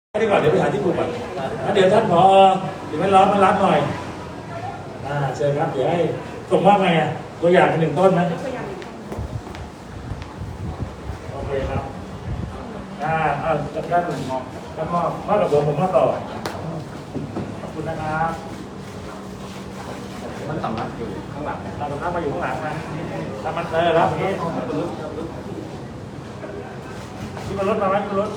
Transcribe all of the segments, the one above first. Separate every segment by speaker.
Speaker 1: ดีกว่าเดี๋ยวไปหาที่ปลูกก่อนเดี๋ยวท่านผอเดี๋ยวมันร้อนมารับหน่อยเชิญครับเดี๋ยวให้ส่งมอบไงตัวอย่างเป็น1 ต้นไหมโอเคครับจัดการ1 มองแล้วก็ข้อระบบผมมาต่อขอบคุณนะครับ
Speaker 2: มันสำนักอยู่ข้างหลัง
Speaker 1: เราสำนักมาอยู่ข้างหลังนะทำมันครับนี้ที่มันรถมาไหมที่รถ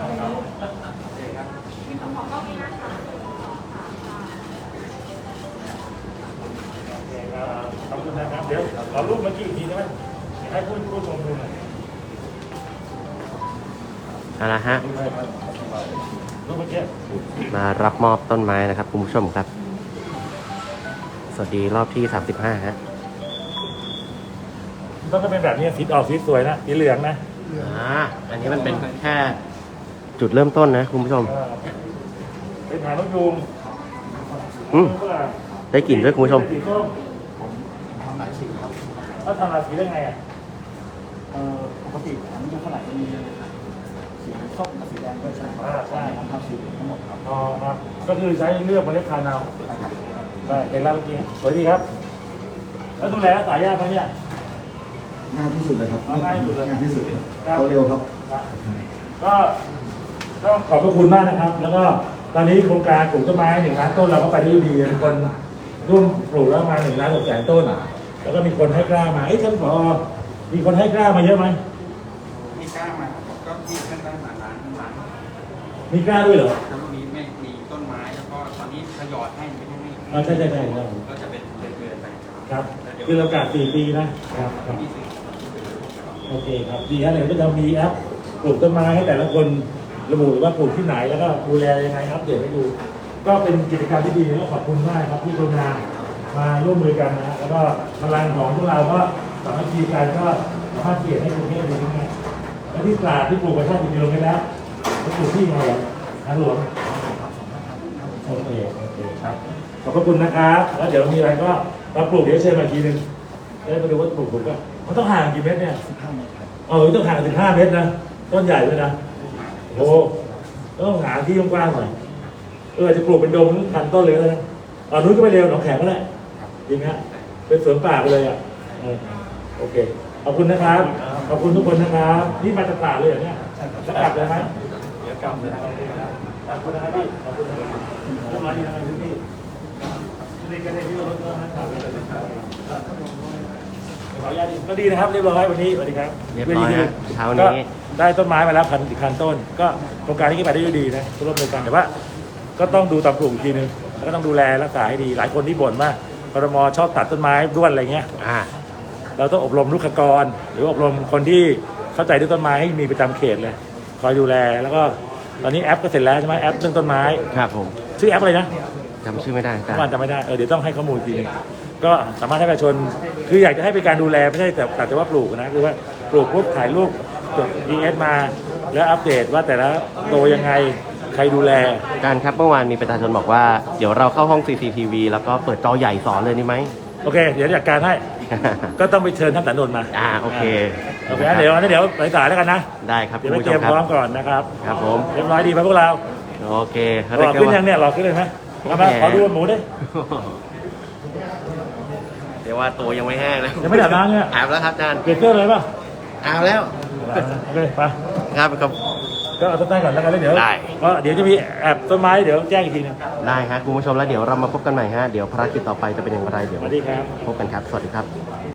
Speaker 1: ขอบคุณนะครับเดี๋ยวขอรูปเมื่อกี้อีกทีได้ไหมให้พูดชมดูหน่อย
Speaker 3: อะไรฮะ
Speaker 1: รูปเมื่อกี้
Speaker 3: มารับมอบต้นไม้นะครับคุณผู้ชมครับสวัสดีรอบที่35ฮะ
Speaker 1: ต้องเป็นแบบนี้สีออกสีสวยนะสีเหลืองนะ
Speaker 3: อันนี้มันเป็นแค่จุดเริ่มต้นนะคุณผู้ชม
Speaker 1: เป็นหางนกยูง
Speaker 3: ได้กลิ่นด้วยคุณผู้ชม
Speaker 2: ทำหลายสีครับ
Speaker 1: ทำหลายสีได้ไง
Speaker 2: ปกติหางนกยูงเท่าไหร่จะมีสีส้มกับสีแดงด้วยใช่ไหมใช่ทำสีทั้งหมดครับ
Speaker 1: ครับก็คือใช้เลือกเมล็ดพันธุ์เอาได้เป็นแล้วเมื่อกี้สวยดีครับแล้วดูแลสายยากไหมเนี่ย
Speaker 2: ง่ายที่สุดเลยครับ
Speaker 1: ง่ายที่สุดเลย
Speaker 2: ง่ายที่สุดเขาเร็วครับ
Speaker 1: ก็ต้องขอบพระคุณมากนะครับแล้วก็ตอนนี้โครงการปลูกต้นไม้1 ล้านต้นเราก็ไปได้ดีมีคนร่วมปลูกแล้วมา1 ล้าน 6 แสนต้นแล้วก็มีคนให้กล้ามาท่านผอมีคนให้กล้ามาเยอะไหม
Speaker 2: มีกล้ามาก็มีขึ้นได้มาล้าน
Speaker 1: มีกล้าด้วยเหรอ
Speaker 2: แล้วมีไม่มีต้นไม้แล้วก็ตอนนี้ทยอยให้ไม่
Speaker 1: ใช่
Speaker 2: ก็จะเป็นเดือนไป
Speaker 1: ครับคือเรากาด4 ปีนะครับโอเคครับดีฮะเดี๋ยวจะมีแอปปลูกต้นไม้ให้แต่ละคนระบุว่าปลูกที่ไหนแล้วก็ดูแลยังไงครับเดี๋ยวให้ดูก็เป็นกิจกรรมที่ดีแล้วขอบคุณมากครับที่กรุณามาร่วมมือกันนะแล้วก็พลังของพวกเราก็สามัคคีกันก็สามารถเปลี่ยนให้กรุงเทพดีขึ้นได้และที่ตราดที่ปลูกไปชาติกิโลเมตรแล้วปลูกที่ไหนทางหลวงโอเคครับขอบพระคุณนะครับแล้วเดี๋ยวมีอะไรก็เราปลูกเดี๋ยวเชิญมาทีนึงแล้วมาดูว่าปลูกถูกป่ะมันต้องห่างกี่เมตรเนี่ย
Speaker 2: 15 เมตรครับ
Speaker 1: ต้องห่าง15 เมตรนะต้นใหญ่ด้วยนะโอ้ต้องหาที่กว้างๆหน่อยจะปลูกเป็นโดมพันต้นเลยนะนู้นก็ไปเร็วหนองแขมก็ได้จริงฮะเป็นสวนป่าไปเลยโอเคขอบคุณนะครับขอบคุณทุกคนนะครับนี่มาจากป่าเลยอย่างเนี้ยจะกลับเลยไหม
Speaker 2: เดี๋ยวกลับเลย
Speaker 1: ขอบคุณนะครับพี่ขอบคุณนะครับต้นไม้ดีนะครับพี่นี่ก็ได้ที่รถนะครับขออนุญาตก็ดีนะครับเรียบร้อยวันนี้สวัสดีครับ
Speaker 3: เรียบร้อยนะเช้านี้
Speaker 1: ได้ต้นไม้มาแล้ว1,000 ต้นก็โครงการนี้ก็ไปได้ดีนะร่วมมือกันแต่ว่าก็ต้องดูตามปลูกอีกทีนึงแล้วก็ต้องดูแลรักษาให้ดีหลายคนที่บ่นว่าครม.ชอบตัดต้นไม้ด้วนอะไรเงี้ยเราต้องอบรมลูกกรหรืออบรมคนที่เข้าใจเรื่องต้นไม้ให้มีประจำเขตเลยคอยดูแลแล้วก็ตอนนี้แอปก็เสร็จแล้วใช่ไหมแอปเรื่องต้นไม้
Speaker 3: ครับผม
Speaker 1: ชื่อแอปอะไรนะ
Speaker 3: จำชื่อไม่ได้
Speaker 1: จำไม่ได้เดี๋ยวต้องให้ข้อมูลทีนึงก็สามารถให้ประชาชนคืออยากจะให้เป็นการดูแลไม่ใช่แต่ว่าปลูกนะคือว่าปลูกปุ๊บถ่ายรูปจด DS มาแล้วอัปเดตว่าแต่ละโตยังไงใครดูแล
Speaker 3: การครับเมื่อวานมีประชาชนบอกว่าเดี๋ยวเราเข้าห้อง CCTV แล้วก็เปิดจอใหญ่สอนเลยนี่ไหม
Speaker 1: โอเคเดี๋ยวจัดการให้ ก็ต้องไปเชิญท่านสันนนท์มา
Speaker 3: โอเค
Speaker 1: เดี๋ยวไปสายแล้วกันนะ
Speaker 3: ได้ครับ
Speaker 1: เดี๋ยวไปเตรียมพร้อมก่อนนะครับ
Speaker 3: ครับผม
Speaker 1: เรียบร้อยดีไหมพวกเรา
Speaker 3: โอเค
Speaker 1: รอขึ้นยังเนี่ยรอขึ้นเลยไหมมาขอดูหมูดิ
Speaker 3: เดี๋ยวว่าตัวยังไม่แห้งนะ
Speaker 1: ยังไม่ดับน้ำเนี่ย
Speaker 3: อาบแล้วครับอาจารย์
Speaker 1: เปลี่ยนเครื่องเลยป่ะ
Speaker 3: อาบแล้ว
Speaker 1: โอเคไป
Speaker 3: ครับ
Speaker 1: ก็เอาต้นไม้ก่อนแล้วกันแล้วเดี๋ยวเดี๋ยวจะมีแอบต้นไม้เดี๋ยวแจ้งอีกทีนึง
Speaker 3: ได้ครับคุณผู้ชมแล้วเดี๋ยวเรามาพบกันใหม่ฮะเดี๋ยวภารกิจต่อไปจะเป็นอย่างไรเดี๋ยว
Speaker 1: สวัสดีครับ
Speaker 3: พบกันครับสวัสดีครับ